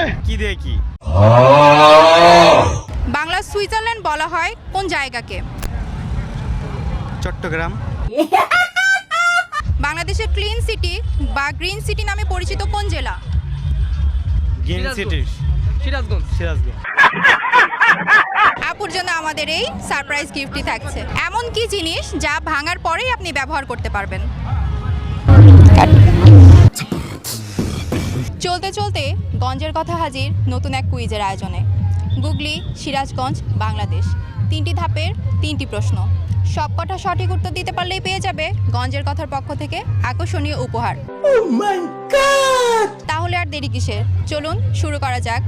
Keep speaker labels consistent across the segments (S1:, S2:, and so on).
S1: কি দিয়ে কি?
S2: বাংলা সুইজারল্যান্ড বলা হয় কোন জায়গাকে?
S1: চট্টগ্রাম।
S2: বাংলাদেশের ক্লিন সিটি বা গ্রিন সিটি নামে পরিচিত কোন জেলা?
S1: Green city.
S3: সিরাজগঞ্জ।
S1: সিরাজগঞ্জ।
S2: আপুর জন্য আমাদের এই সারপ্রাইজ গিফটটি থাকছে। এমন কি জিনিস যা ভাঙার পরেই আপনি ব্যবহার করতে পারবেন? চলতে চলতে গঞ্জের কথা হাজির নতুন এক কুইজের আয়োজনে। গুগলি, সিরাজগঞ্জ, বাংলাদেশ, 3টি ধাপের 3টি প্রশ্ন। সবকটা সঠিক উত্তর দিতে পারলেই পেয়ে যাবে গঞ্জের কথার পক্ষ থেকে আকর্ষণীয় উপহার। তাহলে আর দেরি কিসের, চলুন শুরু করা যাক।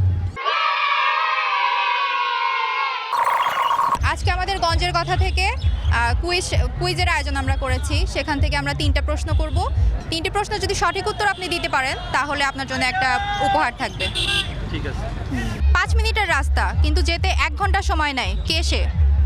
S2: আজকে আমাদের গঞ্জের কথা থেকে কুইজের আয়োজন আমরা করেছি। সেখান থেকে আমরা 3টা প্রশ্ন করব। 3টি প্রশ্ন যদি সঠিক উত্তর আপনি দিতে পারেন তাহলে আপনার জন্য একটা উপহার থাকবে।
S1: ঠিক আছে।
S2: 5 মিনিটের রাস্তা কিন্তু যেতে 1 ঘন্টা সময় নেয়, কে সে?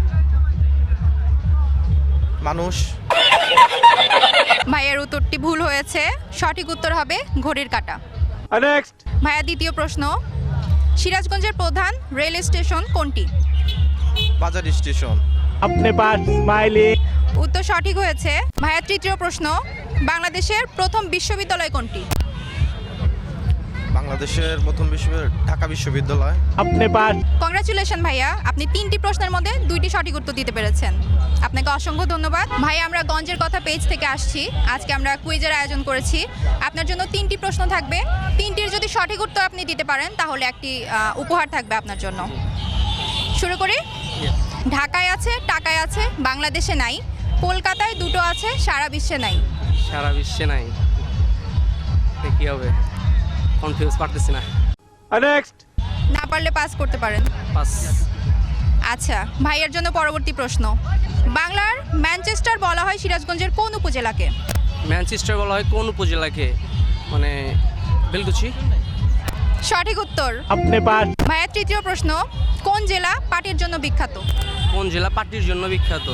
S1: মানুষ।
S2: ভাইয়ের উত্তরটি ভুল হয়েছে, সঠিক উত্তর হবে ঘড়ির কাঁটা।
S1: নেক্সট।
S2: ভাইয়া দ্বিতীয় প্রশ্ন, সিরাজগঞ্জের প্রধান রেল স্টেশন কোনটি?
S1: বাজার স্টেশন।
S3: अपने पास स्माइली।
S2: উত্তর সঠিক হয়েছে। ভাইয়া তৃতীয় প্রশ্ন, বাংলাদেশের প্রথম বিশ্ববিদ্যালয় কোনটি?
S1: বাংলাদেশের প্রথম ঢাকা বিশ্ববিদ্যালয়।
S3: अपने पास।
S2: কংগ্রাচুলেশন ভাইয়া, আপনি 3টি প্রশ্নের মধ্যে 2টি সঠিক উত্তর দিতে পেরেছেন। আপনাকে অসংখ্য ধন্যবাদ। ভাই আমরা গঞ্জের কথা পেজ থেকে আসছি। আজকে আমরা কুইজের আয়োজন করেছি। আপনার জন্য 3টি প্রশ্ন থাকবে। 3টির যদি সঠিক উত্তর আপনি দিতে পারেন তাহলে একটি উপহার থাকবে আপনার জন্য। শুরু করি। ঢাকায় আছে, টাকায় আছে, বাংলাদেশে নাই, কলকাতায় 2টো আছে, সারা বিশ্বে নাই।
S3: সারা বিশ্বে নাই, কি হবে? কনফিউজ, পারতেছি না।
S1: নেক্সট।
S2: না পারলে পাস করতে পারেন।
S3: পাস।
S2: আচ্ছা, ভাইয়ের জন্য পরবর্তী প্রশ্ন, বাংলার ম্যানচেস্টার বলা হয় সিরাজগঞ্জের কোন উপজেলাকে?
S3: ম্যানচেস্টার বলা হয় কোন উপজেলাকে? মানে বেলকুচি।
S2: সঠিক উত্তর।
S3: अपने पास।
S2: ভাইয়ের তৃতীয় প্রশ্ন, কোন জেলা পাটের জন্য বিখ্যাত?
S3: কোন জেলা পাটির জন্য বিখ্যাত?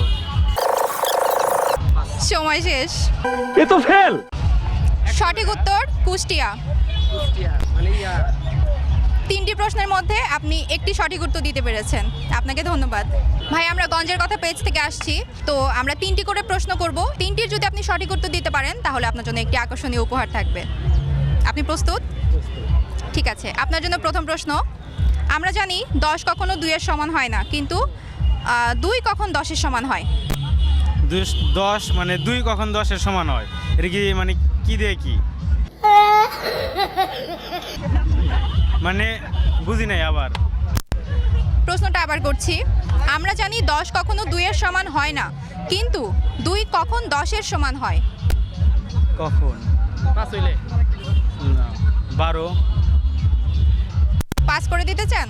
S2: সময় শেষ।
S3: এ তো ফেল।
S2: সঠিক উত্তর কুষ্টিয়া।
S3: মানে
S2: 3টি প্রশ্নের মধ্যে আপনি একটি সঠিক উত্তর দিতে পেরেছেন, আপনাকে ধন্যবাদ। ভাই আমরা গঞ্জের কথা পেজ থেকে আসছি, তো আমরা 3টি করে প্রশ্ন করব। 3টির যদি আপনি সঠিক উত্তর দিতে পারেন তাহলে আপনার জন্য একটি আকর্ষণীয় উপহার থাকবে। আপনি প্রস্তুত? ঠিক আছে, আপনার জন্য প্রথম প্রশ্ন, আমরা জানি 10 কখনো 2-এর সমান হয় না, কিন্তু 2 কখন 10-এর সমান হয়?
S1: 10 মানে 2 কখন 10-এর সমান হয়? এটা কি মানে কি দিয়ে কি? মানে বুঝি নাই আবার।
S2: প্রশ্নটা আবার করছি, আমরা জানি 10 কখনো 2-এর সমান হয় না, কিন্তু 2 কখন 10-এর সমান হয়?
S1: কখন?
S3: পাস হইলে।
S1: না, 12।
S2: পাস করে দিতে চান?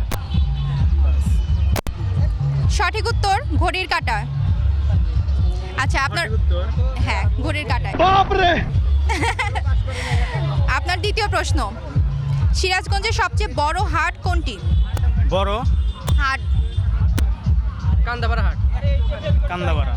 S2: সঠিক উত্তর ঘড়ির কাঁটা। আচ্ছা আপনার, হ্যাঁ ঘড়ির কাঁটায়। আপনার দ্বিতীয় প্রশ্ন, সিরাজগঞ্জের সবচেয়ে বড় হাট কোনটি?
S1: বড়
S2: হাট।
S3: কান্দাপাড়া হাট।
S1: কান্দাপাড়া।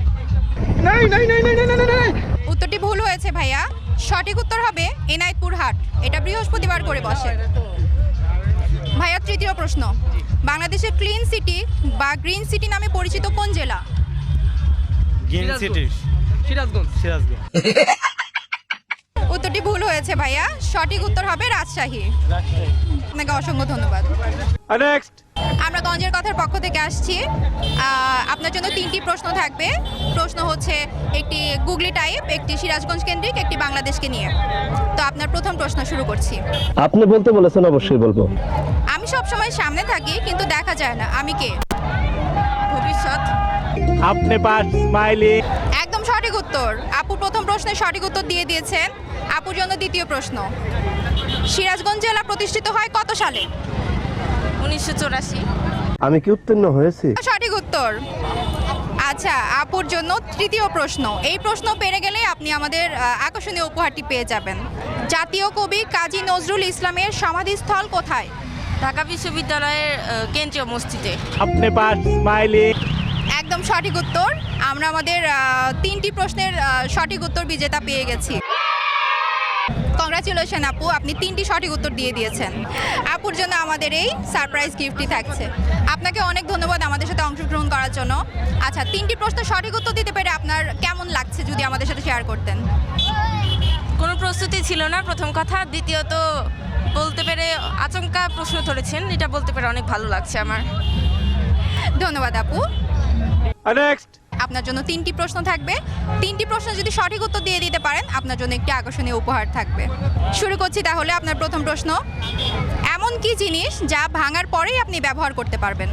S2: উত্তরটি ভুল হয়েছে ভাইয়া, সঠিক উত্তর হবে এনায়েতপুর হাট, এটা বৃহস্পতিবার করে বসে। ভাইয়া তৃতীয় প্রশ্ন, বাংলাদেশের ক্লিন সিটি বা গ্রিন সিটি নামে পরিচিত কোন জেলা?
S1: Green city.
S3: সিরাজগঞ্জ।
S1: সিরাজগঞ্জ।
S2: উত্তরটি ভুল হয়েছে ভাইয়া, সঠিক উত্তর হবে রাজশাহী। আপনাকে অসংখ্য ধন্যবাদ।
S1: নেক্সট।
S2: আমরা গঞ্জের কথার পক্ষ থেকে আসছি। আপনার জন্য 3টি প্রশ্ন থাকবে। প্রশ্ন হচ্ছে একটি গুগলি টাইপ, একটি সিরাজগঞ্জ কেন্দ্রিক, একটি বাংলাদেশকে নিয়ে। তো আপনার প্রথম প্রশ্ন শুরু করছি।
S4: আপনি বলতে বলেছেন, অবশ্যই বলবো।
S2: আমি সবসময় সামনে থাকি কিন্তু দেখা যায় না, আমি কে? ভবিষ্যৎ।
S3: अपने पास स्माइली।
S2: একদম সঠিক উত্তর। আপু প্রথম প্রশ্নের সঠিক উত্তর দিয়ে দিয়েছেন। আপুর জন্য দ্বিতীয় প্রশ্ন, সিরাজগঞ্জ জেলা প্রতিষ্ঠিত হয় কত সালে? 1984।
S4: আমি কি উত্তীর্ণ হয়েছি?
S2: সঠিক উত্তর। আচ্ছা, আপুর জন্য তৃতীয় প্রশ্ন, এই প্রশ্ন পেরে গেলে আপনি আমাদের আকর্ষণীয় উপহারটি পেয়ে যাবেন। জাতীয় কবি কাজী নজরুল ইসলামের সমাধিস্থল কোথায়?
S5: ঢাকা বিশ্ববিদ্যালয়ের কেন্দ্রীয় মসজিদে।
S3: अपने पास स्माइली।
S2: একদম সঠিক উত্তর। আমরা আমাদের 3টি প্রশ্নের সঠিক উত্তর বিজেতা পেয়ে গেছি। কংগ্রাচুলেশন আপু, আপনি 3টি সঠিক উত্তর দিয়ে দিয়েছেন। আপুর জন্য আমাদের এই সারপ্রাইজ গিফটই থাকছে। আপনাকে অনেক ধন্যবাদ আমাদের সাথে অংশগ্রহণ করার জন্য। আচ্ছা, 3টি প্রশ্ন সঠিক উত্তর দিতে পেরে আপনার কেমন লাগছে যদি আমাদের সাথে শেয়ার করতেন?
S5: কোনো প্রস্তুতি ছিল না প্রথম কথা, দ্বিতীয়ত বলতে পেরে আচমকা প্রশ্ন ধরেছেন, এটা বলতে পেরে অনেক ভালো লাগছে আমার।
S2: ধন্যবাদ আপু।
S1: নেক্সট।
S2: আপনার জন্য 3টি প্রশ্ন থাকবে। 3টি প্রশ্ন যদি সঠিক উত্তর দিয়ে দিতে পারেন আপনার জন্য একটি আকর্ষণীয় উপহার থাকবে। শুরু করছি তাহলে। আপনার প্রথম প্রশ্ন, এমন কি জিনিস যা ভাঙার পরেই আপনি ব্যবহার করতে পারবেন?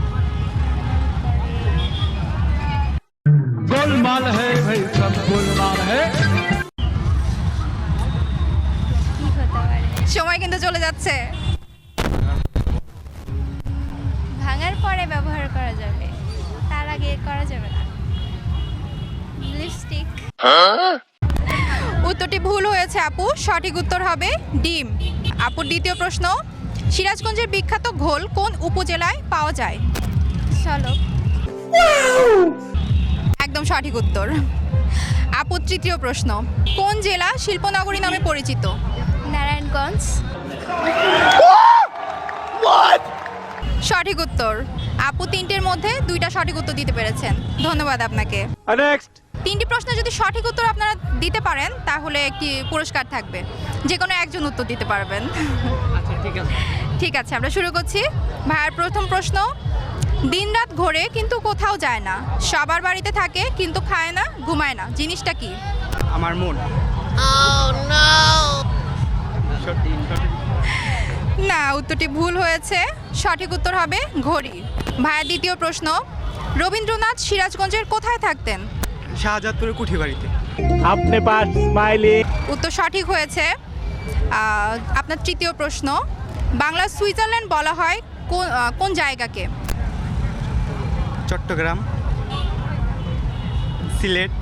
S6: गोलमाल है भाई सब गोलमाल है।
S2: সময় কিন্তু চলে যাচ্ছে।
S7: ভাঙার পরে ব্যবহার করা যাবে, তার আগে করা যাবে না। লিপস্টিক।
S2: উত্তরটি ভুল হয়েছে আপু, সঠিক উত্তর হবে ডিম। আপুর দ্বিতীয় প্রশ্ন, সিরাজগঞ্জের বিখ্যাত ঘোল কোন উপজেলায় পাওয়া যায়?
S7: চলো।
S2: একদম সঠিক উত্তর। আপুর তৃতীয় প্রশ্ন, কোন জেলা শিল্পনগরী নামে পরিচিত?
S7: নারায়ণগঞ্জ।
S2: সঠিক উত্তর। আপু 3টির মধ্যে 2টা সঠিক উত্তর দিতে পেরেছেন, ধন্যবাদ আপনাকে।
S1: নেক্সট।
S2: 3টি প্রশ্ন যদি সঠিক উত্তর আপনারা দিতে পারেন তাহলে একটি পুরস্কার থাকবে, যে কোনো একজন উত্তর দিতে পারবেন।
S3: আচ্ছা ঠিক আছে।
S2: ঠিক আছে, আমরা শুরু করছি। ভাইয়ার প্রথম প্রশ্ন, দিনরাত ঘোরে কিন্তু কোথাও যায় না, সবার বাড়িতে থাকে কিন্তু খায় না, ঘুমায় না, জিনিসটা কি?
S1: আমার মন।
S2: না, উত্তরটি ভুল হয়েছে, সঠিক উত্তর হবে ঘড়ি। ভাইয়ার দ্বিতীয় প্রশ্ন, রবীন্দ্রনাথ সিরাজগঞ্জের কোথায় থাকতেন?
S1: শাহজাদপুরের কুঠি বাড়িতে।
S6: अपने पास स्माइली।
S2: উত্তর সঠিক হয়েছে। আপনার তৃতীয় প্রশ্ন, বাংলা সুইজারল্যান্ড বলা হয় কোন জায়গাকে?
S1: চট্টগ্রাম, সিলেট।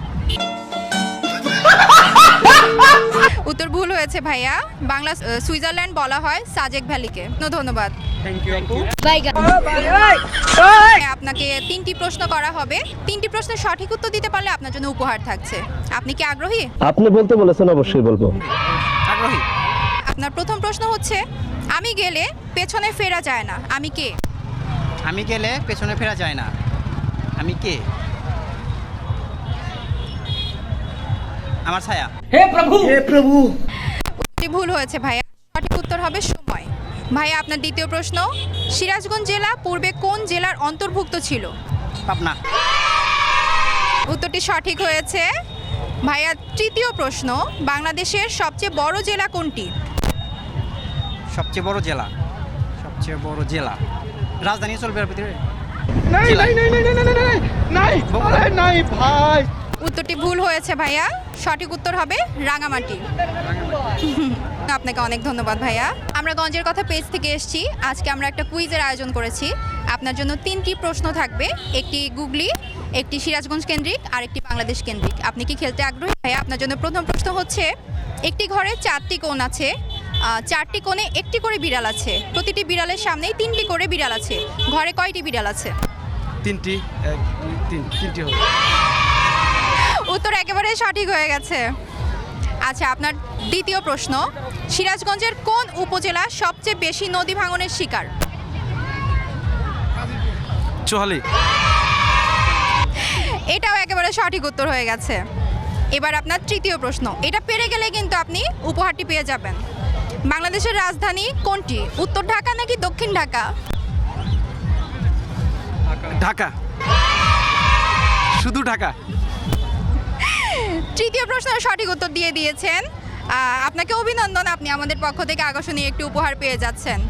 S2: উত্তর ভুল হয়েছে ভাইয়া, বাংলা সুইজারল্যান্ড বলা হয় সাজেক ভ্যালিকে। ধন্যবাদ।
S1: থ্যাংক ইউ আপু।
S2: আপনাকে 3টি প্রশ্ন করা হবে। 3টি প্রশ্নের সঠিক উত্তর দিতে পারলে আপনার জন্য উপহার থাকছে। আপনি কি আগ্রহী?
S4: আপনি বলতে বলেছেন, অবশ্যই বলবো।
S1: আগ্রহী।
S2: আপনার প্রথম প্রশ্ন হচ্ছে, আমি গেলে পেছনে ফেরা যায় না, আমি কে?
S8: আমি গেলে পেছনে ফেরা যায় না, আমি কে? আমার ছায়া।
S2: উত্তরটি ভুল হয়েছে ভাইয়া, সঠিক উত্তর হবে সময়। ভাইয়া আপনার দ্বিতীয় প্রশ্ন, সিরাজগঞ্জ জেলা পূর্বে কোন জেলার অন্তর্ভুক্ত ছিল?
S8: পাবনা।
S2: উত্তরটি সঠিক হয়েছে। ভাইয়া তৃতীয় প্রশ্ন, বাংলাদেশের সবচেয়ে বড় জেলা কোনটি?
S8: সবচেয়ে বড় জেলা, সবচেয়ে বড় জেলা রাজধানী চলবে এর ভিতরে।
S6: नहीं नहीं नहीं नहीं नहीं नहीं नहीं अरे नहीं भाई।
S2: উত্তরটি ভুল হয়েছে ভাইয়া, সঠিক উত্তর হবে রাঙামাটি। আপনাকে অনেক ধন্যবাদ ভাইয়া। আমরা গঞ্জের কথা পেজ থেকে এসেছি। আজকে আমরা একটা কুইজের আয়োজন করেছি। আপনার জন্য 3টি প্রশ্ন থাকবে, একটি গুগলি, একটি সিরাজগঞ্জ কেন্দ্রিক আর একটি বাংলাদেশ কেন্দ্রিক। আপনি কি খেলতে আগ্রহী ভাইয়া? আপনার জন্য প্রথম প্রশ্ন হচ্ছে, একটি ঘরে 4টি কোণ আছে, 4টি কোণে একটি করে বিড়াল আছে, প্রতিটি বিড়ালের সামনেই 3টি করে বিড়াল আছে, ঘরে কয়টি বিড়াল আছে?
S1: 3টি। 3টি হবে।
S2: উত্তর একেবারে সঠিক হয়ে গেছে। আচ্ছা, আপনার দ্বিতীয় প্রশ্ন, সিরাজগঞ্জের কোন উপজেলা সবচেয়ে বেশি নদী ভাঙনের শিকার?
S1: চুহালি।
S2: এটাও একেবারে সঠিক উত্তর হয়ে গেছে। এবার আপনার তৃতীয় প্রশ্ন, এটা পেরে গেলে কিন্তু আপনি উপহারটি পেয়ে যাবেন। বাংলাদেশের রাজধানী কোনটি, উত্তর ঢাকা নাকি দক্ষিণ ঢাকা?
S1: ঢাকা, শুধু ঢাকা।
S2: তৃতীয় প্রশ্নের সঠিক উত্তর দিয়ে দিয়েছেন, আপনাকে অভিনন্দন, আপনি আমাদের পক্ষ থেকে আকর্ষণীয় একটি উপহার পেয়ে যাচ্ছেন।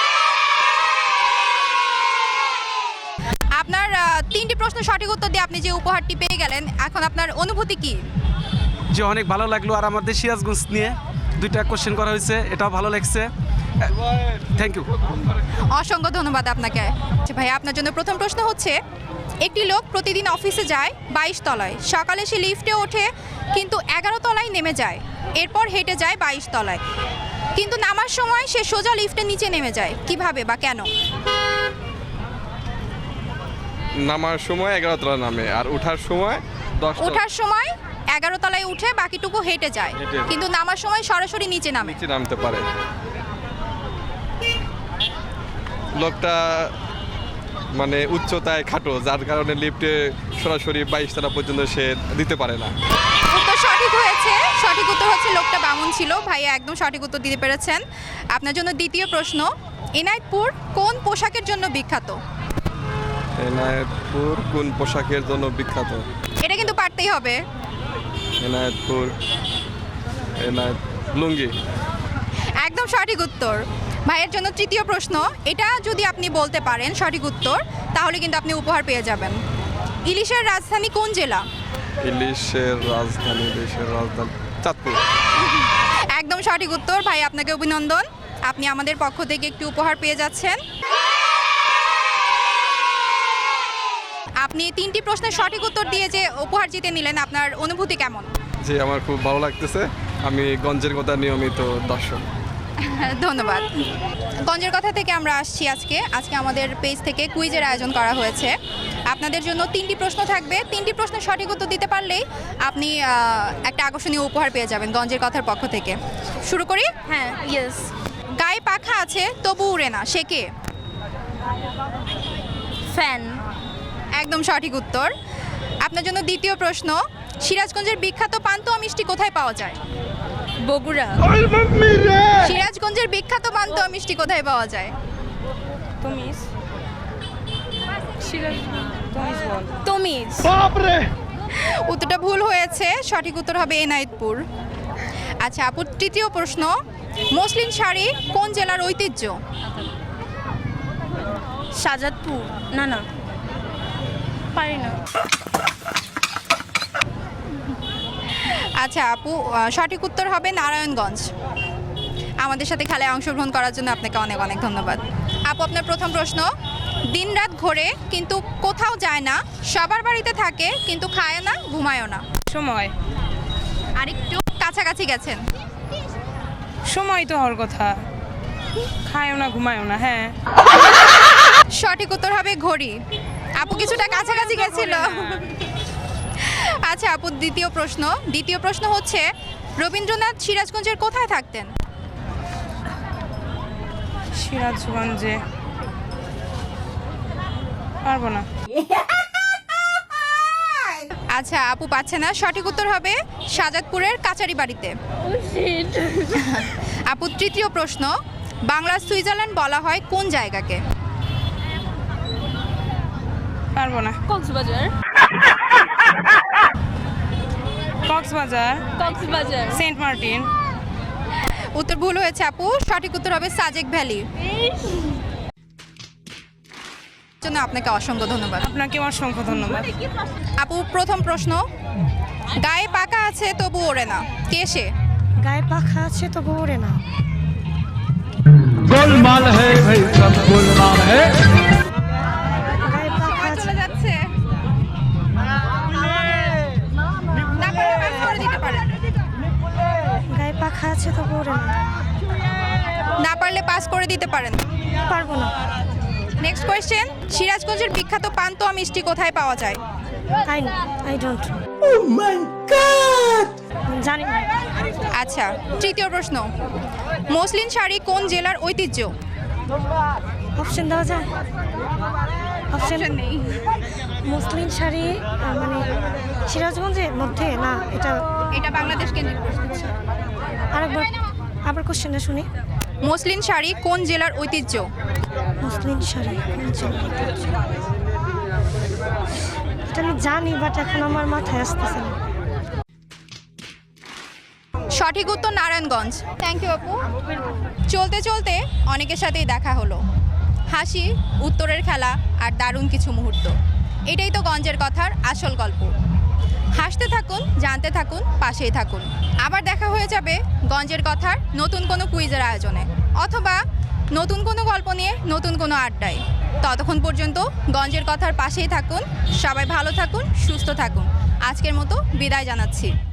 S2: আপনার 3টি প্রশ্ন সঠিক উত্তর দিয়ে আপনি যে উপহারটি পেয়ে গেলেন, এখন আপনার অনুভূতি কি?
S1: যে অনেক ভালো লাগলো, আর আমাদের সিরাজগঞ্জ নিয়ে 2টা কোশ্চেন করা হয়েছে, এটাও ভালো লাগছে। Thank you.
S2: অসংখ্য ধন্যবাদ আপনাকে। আচ্ছা ভাই, আপনার জন্য প্রথম প্রশ্ন হচ্ছে, একটি লোক প্রতিদিন অফিসে যায় 22 তলায়, সকালে সে লিফটে ওঠে কিন্তু 11 তলায় নেমে যায়, এরপর হেঁটে যায় 22 তলায়, কিন্তু নামার সময় সে সোজা লিফটের নিচে নেমে যায়, কিভাবে বা কেন?
S9: নামার সময় 11 তলা নামে আর ওঠার সময় 10 তলা।
S2: ওঠার সময় 11 তলায় উঠে বাকিটুকু হেঁটে যায়, কিন্তু নামার সময় সরাসরি নিচে নামে।
S9: নিচে নামতে পারে। লোকটা মানে উচ্চতায় খাটো, যার কারণে লিফটে সরাসরি 22 তলা পর্যন্ত সে দিতে পারে না।
S2: উত্তর সঠিক হয়েছে। সঠিক উত্তর হচ্ছে লোকটা বামুন ছিল। ভাইয়া একদম সঠিক উত্তর দিতে পেরেছেন। আপনার জন্য দ্বিতীয় প্রশ্ন, এনায়েতপুর কোন পোশাকের জন্য বিখ্যাত?
S9: এনায়েতপুর কোন পোশাকের জন্য বিখ্যাত?
S2: এটা কিন্তু পারতেই হবে।
S9: এনায়েতপুর লুঙ্গি।
S2: একদম সঠিক উত্তর। ভাইয়ের জন্য তৃতীয় প্রশ্ন, এটা যদি আপনি বলতে পারেন সঠিক উত্তর, তাহলে কিন্তু আপনি উপহার পেয়ে যাবেন। ইলিশের রাজধানী কোন জেলা?
S9: ইলিশের রাজধানী চাঁদপুর।
S2: একদম সঠিক উত্তর। ভাই আপনাকে অভিনন্দন, আপনি আমাদের পক্ষ থেকে একটি উপহার পেয়ে যাচ্ছেন। আপনি 3টি প্রশ্নের সঠিক উত্তর দিয়ে যে উপহার জিতে নিলেন, আপনার অনুভূতি কেমন?
S9: জি, আমার খুব ভালো লাগতেছে। আমি গঞ্জের কথা নিয়মিত দর্শক।
S2: ধন্যবাদ। গঞ্জের কথা থেকে আমরা আসছি আজকে আমাদের পেজ থেকে কুইজের আয়োজন করা হয়েছে। আপনাদের জন্য 3টি প্রশ্ন থাকবে। 3টি প্রশ্নের সঠিক উত্তর দিতে পারলেই আপনি একটা আকর্ষণীয় উপহার পেয়ে যাবেন গঞ্জের কথার পক্ষ থেকে। শুরু করি?
S5: হ্যাঁ, ইয়েস।
S2: গায়ে পাখা আছে তবু উড়ে না, সে কে?
S5: ফ্যান।
S2: একদম সঠিক উত্তর। আপনার জন্য দ্বিতীয় প্রশ্ন, সিরাজগঞ্জের বিখ্যাত পান্তুয়া মিষ্টি কোথায় পাওয়া যায়?
S5: বগুড়া।
S2: সিরাজগঞ্জের বিখ্যাত পান্তুয়া মিষ্টি কোথায় পাওয়া যায়?
S5: তমিজ।
S6: বাপরে,
S2: উত্তরটা ভুল হয়েছে। সঠিক উত্তর হবে এনায়েতপুর। আচ্ছা আপু, তৃতীয় প্রশ্ন, মসলিন শাড়ি কোন জেলার ঐতিহ্য?
S5: শাহজাদপুর। না পারি না।
S2: আচ্ছা আপু, সঠিক উত্তর হবে নারায়ণগঞ্জ। আমাদের সাথে খেলায় অংশগ্রহণ করার জন্য আপনাকে অনেক অনেক ধন্যবাদ। আপু, আপনার প্রথম প্রশ্ন, দিনরাত ঘোরে কিন্তু কোথাও যায় না, সবার বাড়িতে থাকে কিন্তু খায় না ঘুমায়ও না।
S10: সময়।
S2: আরেকটু কাছাকাছি গেছেন।
S10: সময় তো হওয়ার কথা, খায়ও না ঘুমায়ও না। হ্যাঁ,
S2: সঠিক উত্তর হবে ঘড়ি। আপু কিছুটা কাছাকাছি গেছিল। আচ্ছা আপু, দ্বিতীয় প্রশ্ন হচ্ছে, রবীন্দ্রনাথ সিরাজগঞ্জের কোথায় থাকতেন?
S10: সিরাজগঞ্জে পারবো না।
S2: আচ্ছা আপু পাচ্ছে না। সঠিক উত্তর হবে শাহজাদপুরের কাচারি বাড়িতে। আপু, তৃতীয় প্রশ্ন, বাংলার সুইজারল্যান্ড বলা হয় কোন জায়গাকে?
S10: পারবো না।
S5: কক্সবাজার।
S10: Cox's Bazar, Saint Martin.
S2: উত্তর ভুল হয়েছে আপু। সঠিক উত্তর হবে সাজেক ভ্যালি। জন্য আপনাকে অসংখ্য ধন্যবাদ।
S10: আপনাকে অসংখ্য ধন্যবাদ।
S2: আপু, প্রথম প্রশ্ন, গায়ে পাকা আছে তবু ওড়ে না, কে সে?
S10: গায়ে পাখা আছে তবু ওড়ে না।
S6: গোলমাল হে ভাই, সব গোলমাল হে।
S10: গায়ে পাখা আছে।
S2: চলে যাচ্ছে। না পারলে pass করে দিতে পারেন।
S10: গায়ে পাখা আছে তবু ওড়ে না।
S2: না পারলে পাস করে দিতে পারেন।
S10: পারবো না।
S2: নেক্সট কোয়েশ্চেন, সিরাজগঞ্জের বিখ্যাত পান্তুয়া মিষ্টি কোথায় পাওয়া যায়?
S10: I don't. Oh my god, জানি না।
S2: আচ্ছা, তৃতীয় প্রশ্ন, মসলিন শাড়ি কোন জেলার ঐতিহ্য?
S10: অপশন দেওয়া যায়? অপশন
S2: নেই।
S10: মুসলিম শাড়ি মানে সিরাজগঞ্জের মধ্যে না,
S2: এটা বাংলাদেশ কেন্দ্রিক প্রশ্ন।
S10: আরেকবার আবার কোশ্চেনটা শুনি।
S2: মসলিন শাড়ি কোন জেলার ঐতিহ্য?
S10: মুসলিম শাড়ি কোন জেলার ঐতিহ্য? এটা আমি জানি, বাট এখন আমার মাথায় আসতেছে না।
S2: সঠিক উত্তর নারায়ণগঞ্জ। থ্যাংক ইউ আপু। চলতে চলতে অনেকের সাথেই দেখা হলো, হাসি, উত্তরের খেলা আর দারুণ কিছু মুহূর্ত। এটাই তো গঞ্জের কথার আসল গল্প। হাসতে থাকুন, জানতে থাকুন, পাশেই থাকুন। আবার দেখা হয়ে যাবে গঞ্জের কথার নতুন কোনো কুইজের আয়োজনে, অথবা নতুন কোনো গল্প নিয়ে নতুন কোনো আড্ডায়। ততক্ষণ পর্যন্ত গঞ্জের কথার পাশেই থাকুন। সবাই ভালো থাকুন, সুস্থ থাকুন। আজকের মতো বিদায় জানাচ্ছি।